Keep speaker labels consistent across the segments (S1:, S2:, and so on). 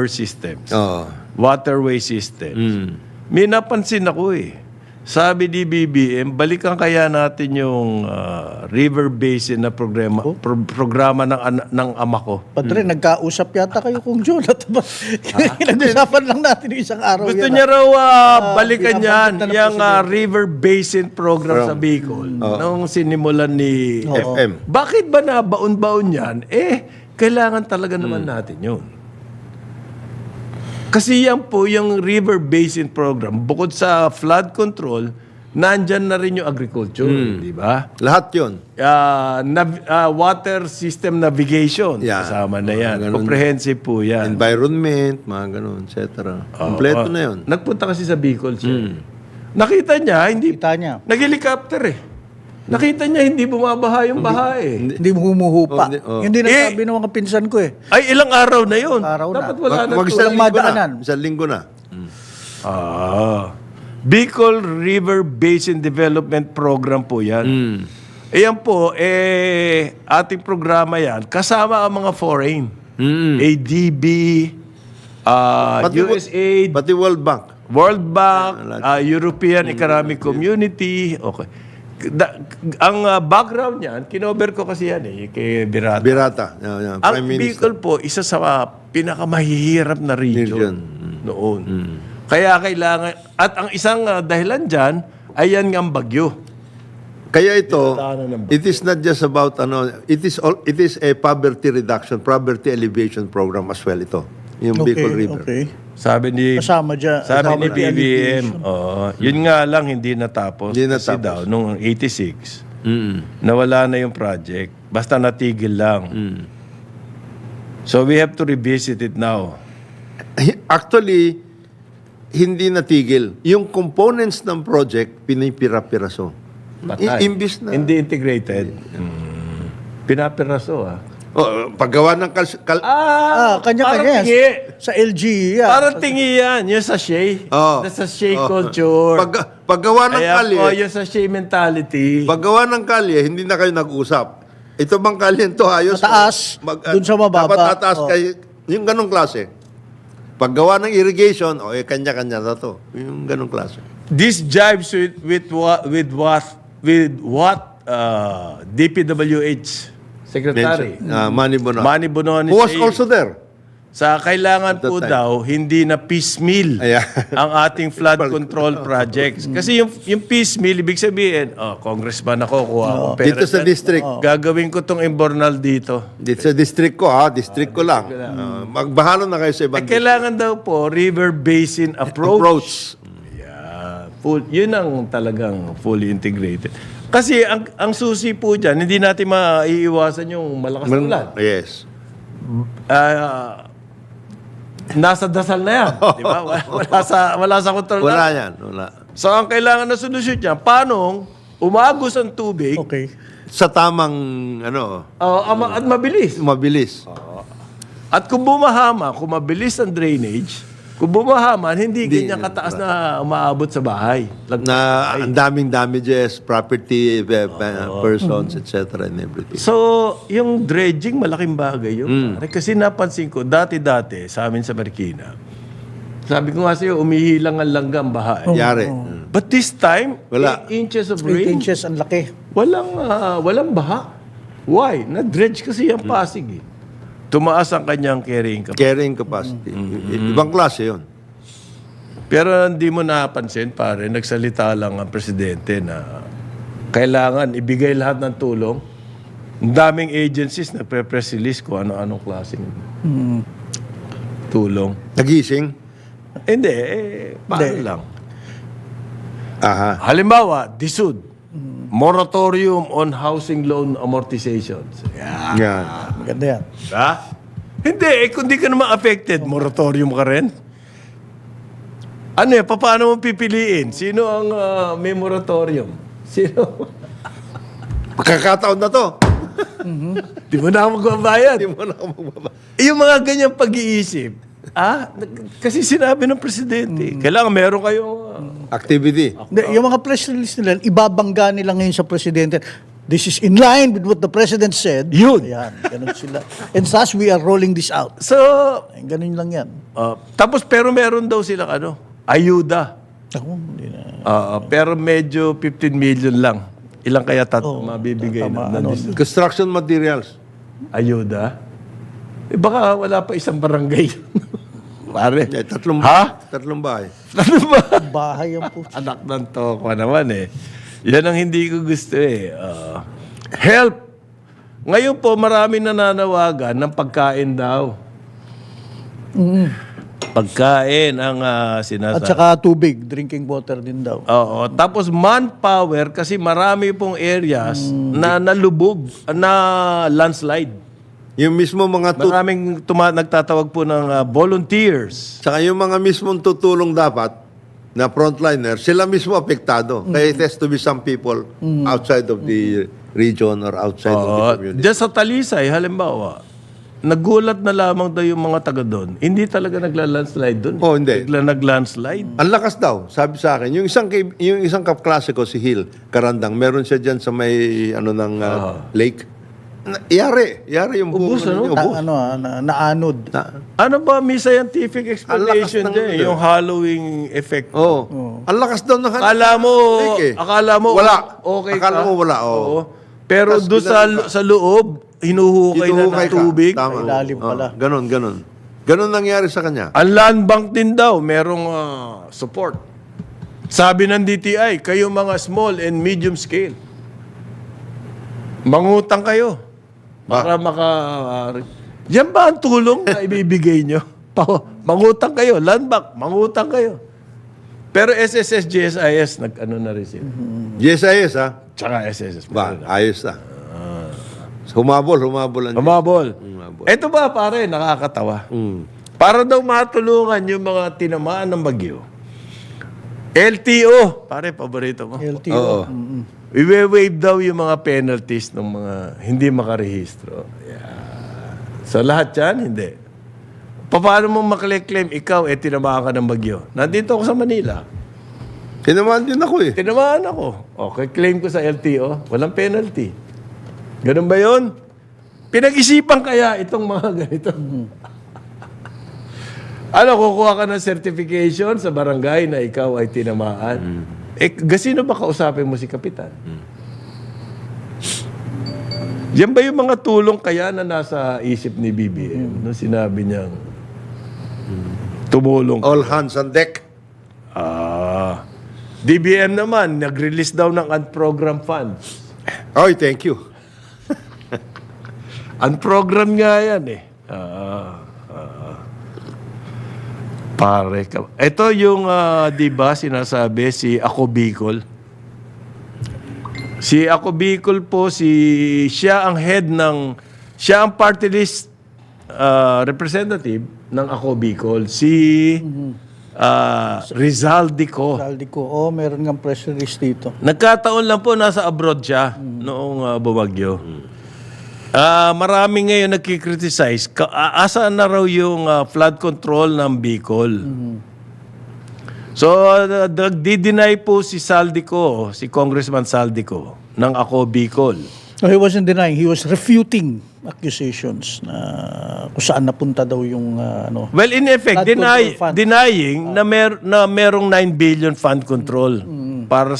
S1: sewer systems,
S2: Oo.
S1: waterway systems. May napansin ako Sabi ni BBM, balikan kaya natin yung river basin na programa ng ama ko.
S3: Padre, nagkausap yata kayo kung John. Nag-usapan lang natin yung isang araw.
S1: Gusto
S3: yan,
S1: niya raw balikan yan,
S3: binabanggit na ng
S1: yung
S3: presidente.
S1: river basin program sa Bicol, nung sinimulan ni
S2: FM.
S1: Bakit ba nabaon-baon yan? Kailangan talaga naman natin yun. Kasi yan po yung river basin program, bukod sa flood control, nandyan na rin yung agriculture, di ba?
S2: Lahat yun.
S1: Water system navigation,
S2: Yeah.
S1: kasama na yan.
S2: Ganun.
S1: Comprehensive po yan.
S2: Environment, mga ganun, etc. Kompleto na yun.
S1: Nagpunta kasi sa Bicol siya. Nakita niya,
S3: Kita niya.
S1: nag-helicopter Nakita niya, hindi bumabaha yung baha
S3: Hindi humuhupa. Hindi nasabi ng mga pinsan ko
S1: Ay, ilang araw na yun.
S3: Araw na.
S1: Dapat wala na
S2: Mag
S1: to.
S2: isang linggo
S3: madaanan.
S2: na. Isang linggo na.
S1: Bicol River Basin Development Program po yan. Ayan po, ating programa yan, kasama ang mga foreign. ADB, USAID,
S2: Pati World Bank.
S1: World Bank, European Economic Community. Okay. Ang background niyan, kinover ko kasi yan kay Birata.
S2: Birata. Yeah,
S1: Ang
S2: Prime Minister.
S1: Bicol po, isa sa pinakamahihirap na region noon. Kaya kailangan, at ang isang dahilan dyan, ay yan ng bagyo.
S2: Kaya ito,
S1: Dinadaanan ng
S2: it is not just about, it is a poverty reduction, poverty alleviation program as well ito. Yung Bicol River.
S3: Okay.
S1: Sabi ni
S3: Kasama dyan.
S1: Sabi ni
S3: Kasama
S1: BBM, yun nga lang hindi natapos.
S2: Hindi
S1: Kasi
S2: natapos.
S1: daw, noong 86, nawala na yung project. Basta natigil lang. So we have to revisit it now.
S2: Actually, hindi natigil. Yung components ng project, pinipira-piraso. Imbis na.
S1: Hindi integrated. Pinapiraso
S2: Paggawa ng
S3: kanya-kanya.
S1: parang tingi.
S3: Sa LG yan.
S1: Parang tingi yan. Yung sachet. The sachet culture.
S2: Paggawa ng
S1: Kaya
S2: kalye,
S1: po, yung sachet mentality.
S2: paggawa ng kalye, hindi na kayo nag-usap. Ito bang kalye to ayos?
S3: Mataas, dun sa mababa.
S2: Dapat tataas kayo. Yung ganong klase. Paggawa ng irrigation, kanya-kanya na to. Yung ganong klase.
S1: This jives with what DPWH Secretary
S2: Manny Bonoan.
S1: Manny Bonoan
S2: Who was
S1: saying.
S2: also there.
S1: Sa kailangan po
S2: time.
S1: daw hindi na piecemeal
S2: Ayan.
S1: ang ating flood control projects. Kasi yung piecemeal, ibig sabihin, congressman ako, kuha akong pera.
S2: Dito sa
S1: dyan.
S2: district.
S1: Gagawin ko tong Imbornal dito.
S2: Dito sa district ko, district ko lang. Magbahala na kayo sa ibang
S1: Kailangan daw po river basin approach.
S2: approach.
S1: Yeah, yun ang talagang fully integrated. Kasi ang susi po dyan, hindi natin maiiwasan yung malakas na ulan.
S2: Yes.
S1: Nasa dasal na yan. Di ba? Wala sa kontrol na.
S2: Wala yan. Wala.
S1: So, ang kailangan na solusyon niya, paano umagos ang tubig
S3: Okay.
S2: Sa tamang,
S1: at mabilis.
S2: mabilis.
S1: At kung bumahama, kung mabilis ang drainage, kung bumahaman, hindi ganyan kataas na umaabot sa bahay.
S2: Na ang daming damages, property, persons, etc. and everything.
S1: So, yung dredging, malaking bagay yun. Kasi napansin ko, dati-dati, sa amin sa Marikina, sabi ko nga sa'yo, umihilang ang langgam baha.
S2: Yari.
S1: But this time,
S2: Wala.
S1: 8 inches of
S3: 8
S1: rain,
S3: inches, ang laki.
S1: walang baha. Why? Na-dredge kasi yung Pasig Tumaas ang kanyang carrying capacity.
S2: Carrying capacity. Ibang klase yun.
S1: Pero hindi mo napansin, pare, nagsalita lang ang presidente na kailangan ibigay lahat ng tulong. Ang daming agencies nagpe-press release kung ano-anong klaseng tulong.
S2: Nagising?
S1: Hindi, paano lang?
S2: Aha.
S1: Halimbawa, DSUD, moratorium on housing loan amortizations. Yeah.
S2: Yan.
S3: Maganda yan.
S1: Ha? Hindi, kung di ka naman affected, moratorium ka rin. Ano paano mo pipiliin? Sino ang may moratorium? Sino?
S2: Pagkakataon na to.
S1: Di mo na ako magbabayad.
S2: Hindi mo na ako magbaba.
S1: Yung mga ganyang pag-iisip, kasi sinabi ng presidente, kailangan meron kayong...
S2: Activity.
S3: Yung mga press release nila, ibabangga nila ngayon sa presidente. this is in line with what the President said.
S1: Yun.
S3: Ayan, ganun sila. And thus, we are rolling this out.
S1: So,
S3: Ay, ganun lang yan.
S1: tapos pero meron daw silang ayuda.
S3: Ako, hindi na.
S1: Pero medyo 15 million lang. Ilang kaya mabibigay
S3: tama,
S1: na
S2: Construction materials.
S1: ayuda? Baka wala pa isang barangay. Pare.
S2: Tatlong bahay.
S1: Ano ba?
S3: Bahay yan po.
S1: Anak ng toko naman Yan ang hindi ko gusto help. Ngayon po, marami nananawagan ng pagkain daw. Pagkain ang sinasabi.
S3: At saka tubig, drinking water din daw.
S1: Oo. Tapos manpower kasi marami pong areas na nalubog, na landslide.
S2: Yung mismo mga
S1: Maraming nagtatawag po ng volunteers.
S2: Saka yung mga mismong tutulong dapat na frontliner, sila mismo apektado. Kaya it has to be some people outside of the region or outside of the community.
S1: Diyan sa Talisay, halimbawa, nagulat na lamang daw yung mga taga doon. Hindi talaga nagla-landslide doon.
S2: Oh, hindi.
S1: Bigla nag-landslide.
S2: Ang lakas daw, sabi sa akin. Yung isang kaklase ko, si Hill Karandang, meron siya dyan sa may lake. Yari yung
S1: Ubus,
S2: buong ubus.
S3: Naanod.
S1: Ano ba may scientific explanation
S2: Ang lakas ng
S1: dyan? Yung hallowing effect.
S2: Ang lakas daw ng
S1: Akala mo
S2: wala.
S1: okay
S2: Akala
S1: ka.
S2: mo wala,
S1: Pero
S2: Tas
S1: doon sa loob, hinuhukay na ng
S2: Hinuhukay ka.
S1: tubig.
S2: Tama.
S3: Ilalim pala.
S2: Ganon nangyari sa kanya.
S1: Ang land bank din daw, merong support. Sabi ng DTI, kayo mga small and medium scale, mangutang kayo para yan ba ang tulong na ibibigay nyo? Mangutang kayo, land bank, mangutang kayo. Pero SSS, GSIS, nag-ano na rin sila.
S2: GSIS, ha?
S1: Tsaka SSS.
S2: Ba, ayos na. Humabol.
S1: Humabol. Ito ba, pare, nakakatawa. Para daw matulungan yung mga tinamaan ng bagyo. LTO, pare, paborito mo.
S3: LTO.
S1: I-waive daw yung mga penalties ng mga hindi makarehistro. So lahat yan, hindi. Paano mo makle-claim ikaw, tinamaan ka ng bagyo? Nandito ako sa Manila.
S2: Tinamaan din ako eh.
S1: Tinamaan ako. Okay, claim ko sa LTO, walang penalty. Ganun ba yun? Pinag-isipan kaya itong mga ganito. Kukuha ka ng certification sa barangay na ikaw ay tinamaan. Sino ba kausapin mo si Kapitan? Yan ba yung mga tulong kaya na nasa isip ni BBM nung sinabi niyang tumulong?
S2: All hands on deck.
S1: DBM naman, nag-release daw ng unprogrammed funds.
S2: Oy, thank you.
S1: Unprogrammed nga yan Pare ka. Ito yung, di ba, sinasabi si Ako Bicol. Si Ako Bicol po, siya ang head siya ang party list representative ng Ako Bicol. Si Rizaldico.
S3: Saldico. Meron nga press release dito.
S1: Nagkataon lang po, nasa abroad siya noong bumagyo. Marami ngayon nagkikriticize. Asaan na raw yung flood control ng Bicol? So, nagdi-deny po si Saldico, si Congressman Saldico, ng Ako Bicol.
S3: No, he wasn't denying. He was refuting accusations na kung saan napunta daw yung
S1: Well, in effect,
S3: flood control fund.
S1: denying na merong 9 billion fund control para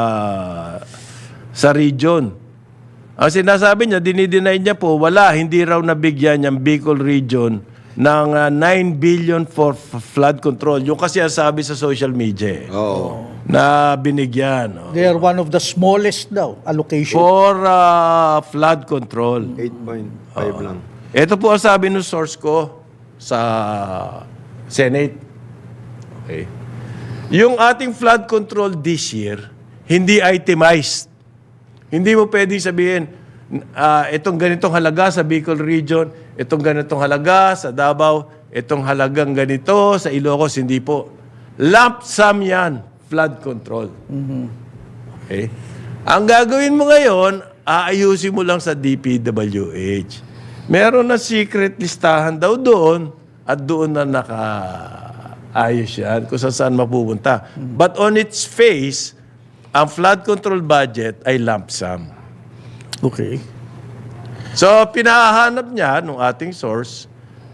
S1: sa region. Ang sinasabi niya, dinideny niya po, hindi raw nabigyan yung Bicol region ng 9 billion for flood control. Yung kasi ang sabi sa social media na binigyan.
S3: They are one of the smallest daw allocation.
S1: For flood control.
S2: 8.5 lang.
S1: Ito po ang sabi ng source ko sa Senate. Okay. Yung ating flood control this year, hindi itemized. Hindi mo pwedeng sabihin, itong ganitong halaga sa Bicol region, itong ganitong halaga sa Davao, itong halagang ganito sa Ilocos, hindi po. Lump sum yan, flood control. Okay? Ang gagawin mo ngayon, aayusin mo lang sa DPWH. Meron na secret listahan daw doon at doon na nakaayos yan kung saan mapupunta. But on its face, ang flood control budget ay lump sum.
S3: Okay.
S1: So, pinahanap niya nung ating source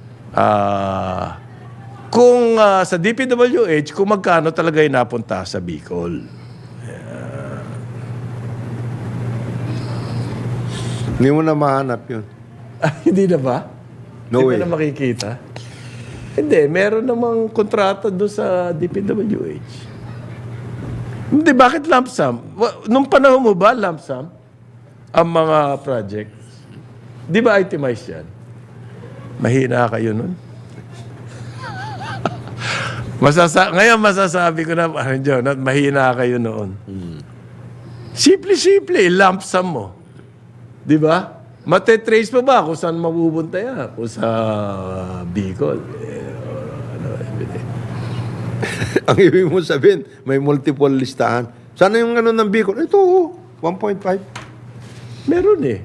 S1: kung sa DPWH, kung magkano talaga yung napunta sa Bicol.
S2: Hindi mo na mahanap yun.
S1: Hindi na ba?
S2: No
S1: Hindi
S2: way.
S1: ba na makikita? Hindi, meron namang kontrata doon sa DPWH. Hindi, bakit lump sum? Nung panahon mo ba, lump sum? Ang mga projects? Di ba itemized yan? Mahina kayo nun. Ngayon masasabi ko na, John, mahina kayo noon. Simple-simple, lump sum mo. Di ba? Matetrace pa ba kung saan mapupunta yan? Kung sa Bicol.
S2: Ang ibig mo sabihin, may multiple listahan. Sana yung ano ng Bicol? Ito, 1.5.
S1: Meron eh.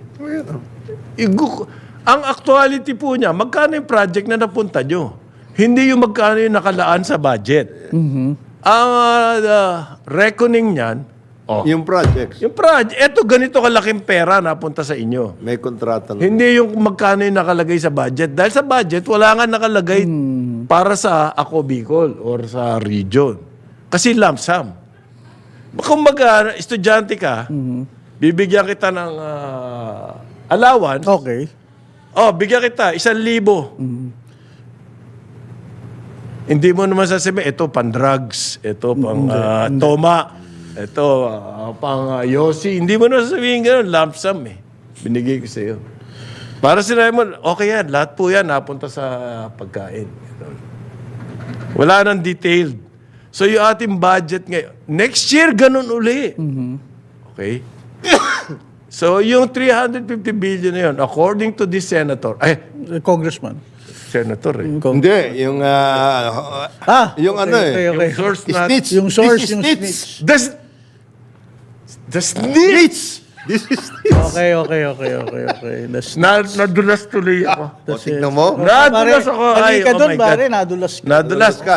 S1: Ang actuality po niya, magkano yung project na napunta nyo? Hindi yung magkano yung nakalaan sa budget. Ang reckoning niyan,
S2: Yung projects,
S1: yung project, eto ganito kalaking pera napunta sa inyo.
S2: may kontrata.
S1: Hindi yung magkano yung nakalagay sa budget. Dahil sa budget, wala nga nakalagay para sa Ako Bicol or sa region. Kasi lump sum. Kung estudyante ka, bibigyan kita ng allowance.
S3: Okay.
S1: Bigyan kita, 1,000. Hindi mo naman sasabihin, ito pang-drugs, ito pang toma, ito pang yosi. Hindi mo naman sasabihin gano'n, lump sum eh. Binigay ko sa iyo. Para sinabi mo, okay yan, lahat po yan napunta sa pagkain. Ganun. Wala nang detailed. So yung ating budget ngayon, next year ganun uli. Okay? So yung 350 billion na yun, according to this senator,
S3: Congressman.
S1: senator eh.
S2: Hindi, yung yung ano eh.
S3: Okay.
S1: Yung source na...
S2: Snitch.
S3: Yung source,
S2: This is
S3: yung
S2: snitch.
S3: snitch.
S1: The snitch!
S2: This is snitch.
S3: Okay.
S1: Nadulas tuloy ako.
S2: O, tignan mo.
S1: Nadulas ako.
S3: Ay, ka
S1: oh
S3: doon,
S1: my God.
S3: pare, nadulas ka.
S1: Nadulas ka.